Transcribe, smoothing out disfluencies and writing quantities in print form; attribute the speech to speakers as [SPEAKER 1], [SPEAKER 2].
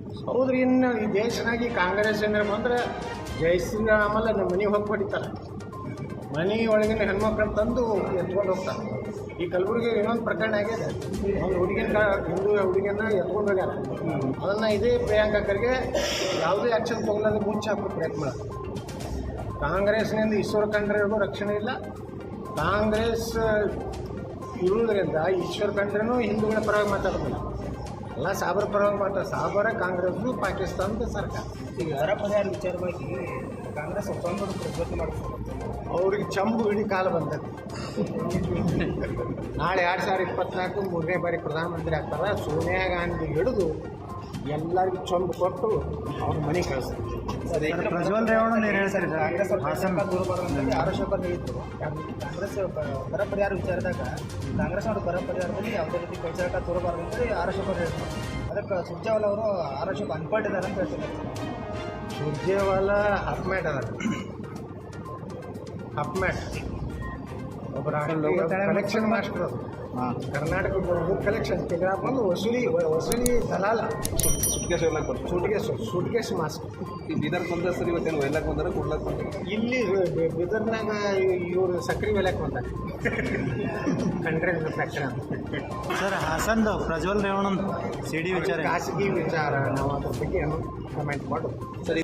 [SPEAKER 1] ಹೌದ್ರಿ. ಇನ್ನು ಈ ದೇಶನಾಗ ಈ ಕಾಂಗ್ರೆಸ್ ಏನಾರ ಬಂದ್ರೆ ಜೈ ಶ್ರೀರಾಮಲ್ಲ ನಮ್ಮ ಮನೆಗೆ ಹೋಗಿ ಹೊಡಿತಾರೆ. ಮನೆ ಒಳಗಿನ ಹೆಣ್ಮಕ್ಳನ್ನ ತಂದು ಎತ್ಕೊಂಡು ಹೋಗ್ತಾರೆ. ಈ ಕಲಬುರಗಿ ಇನ್ನೊಂದು ಪ್ರಕರಣ ಆಗಿದೆ. ಒಂದು ಹಿಂದೂ ಹುಡುಗಿಯನ್ನ ಎತ್ಕೊಂಡು ಹೋಗ್ಯಾರ. ಅದನ್ನು ಇದೇ ಪ್ರಿಯಾಂಕಾ ಖರ್ಗೆ ಯಾವುದೇ ಆ್ಯಕ್ಷನ್ ತೊಗೊಳ್ಳೋದು ಮುಂಚೆ ಹಾಕೋ ಪ್ರಯತ್ನ ಮಾಡೋದು. ಕಾಂಗ್ರೆಸ್ನಿಂದ ಈಶ್ವರ ಖಂಡ್ರೆಗೂ ರಕ್ಷಣೆ ಇಲ್ಲ. ಕಾಂಗ್ರೆಸ್ ಇರುವುದರಿಂದ ಈಶ್ವರ ಖಂಡ್ರೆನೂ ಹಿಂದೂಗಳ ಪರವಾಗಿ ಮಾತಾಡೋದಿಲ್ಲ. ಎಲ್ಲ ಸಾಬರ ಪರವಾಗಿ ಮಾತಾಡ. ಸಾಬರ ಕಾಂಗ್ರೆಸ್ನು ಪಾಕಿಸ್ತಾನದ ಸರ್ಕಾರ.
[SPEAKER 2] ಈಗ ಬರ ಪರಿಹಾರ ವಿಚಾರವಾಗಿ ಕಾಂಗ್ರೆಸ್ ಒಪ್ಪಂದದ ಪ್ರತಿಭಟನೆ ಮಾಡ್ತಾರೆ.
[SPEAKER 1] ಅವ್ರಿಗೆ ಚಂಬು ಹಿಡಿ ಕಾಲ ಬಂದದ್ದು. ನಾಳೆ 2024 3ನೇ ಬಾರಿ ಪ್ರಧಾನಮಂತ್ರಿ ಆಗ್ತಾರೆ. ಸೋನಿಯಾ ಗಾಂಧಿ ಹಿಡಿದು ಎಲ್ಲರಿಗೂ ಚಂಬು ಕೊಟ್ಟು ಅವ್ರ ಮನೆ ಕಳಿಸ್ತಾರೆ.
[SPEAKER 2] ಪ್ರಜ್ವಲ್ ರೇವಣ್ಣ ಏನು ಹೇಳ್ತಾರೆ? ಕಾಂಗ್ರೆಸ್ ಭಾಷಣ ದೂರ ಬರೋದಂತೇಳಿ ಆರೋಪ ನೀಡಿದ್ರು. ಕಾಂಗ್ರೆಸ್ ಬರ ಪರಿಹಾರ ವಿಚಾರದಾಗ ಕಾಂಗ್ರೆಸ್ ಅವರು ಬರ ಪರಿಹಾರದಲ್ಲಿ ಯಾವುದೇ ರೀತಿ ಕೈಚಾಟ ತೋರಬಾರ್ದು ಅಂತೇಳಿ ಆರೋಪ ಹೇಳಿದ್ರು. ಅದಕ್ಕೆ ಸುರ್ಜೇವಾಲ ಅವರು ಆರೋಪ ಅನ್ಪಟ್ಟಿದ್ದಾರೆ ಅಂತ ಹೇಳ್ತಾರೆ.
[SPEAKER 1] ಸುರ್ಜೇವಾಲ ಹಪ್ಮ್ಯಾಟ್ ಅದ. ಹಪ್ಮ್ಯಾಟ್ ಒಬ್ಬರ ಕಲೆಕ್ಷನ್ ಮಾಸ್ಟರ್ ಅದು. ಕರ್ನಾಟಕದ ಕಲೆಕ್ಷನ್ ತೆಗೆದ ಬಂದು ವಸೂಲಿ ದಲಾಲ. Suitcase master.
[SPEAKER 3] ಈ ಬೀದರ್ ಬಂದ ಸರ್ ಇವತ್ತೇನು ಒಯ್ಲಕ್ಕೆ ಬಂದಾರ ಕೊಡ್ಲಕ್ಕೆ ಬಂದಾರ?
[SPEAKER 1] ಇಲ್ಲಿ ಬೀದರ್ನಾಗ ಇವರು ಸಕ್ರೆ ಒಯ್ಲಕ್ಕೆ ಬಂದಾರೆ. ಕಂಡ್ರೆ ಫ್ಯಾಕ್ಟ್ರಿ ಅಂತ
[SPEAKER 2] ಸರ್ ಹಾಸನ್ದು ಪ್ರಜ್ವಲ್ ರೇವಣ್ಣ ಸಿಡಿ ವಿಚಾರ
[SPEAKER 1] ಖಾಸಗಿ ವಿಚಾರ. ನಾವು ಅದ್ರ ಬಗ್ಗೆ ಏನು ಕಮೆಂಟ್ ಮಾಡೋದು.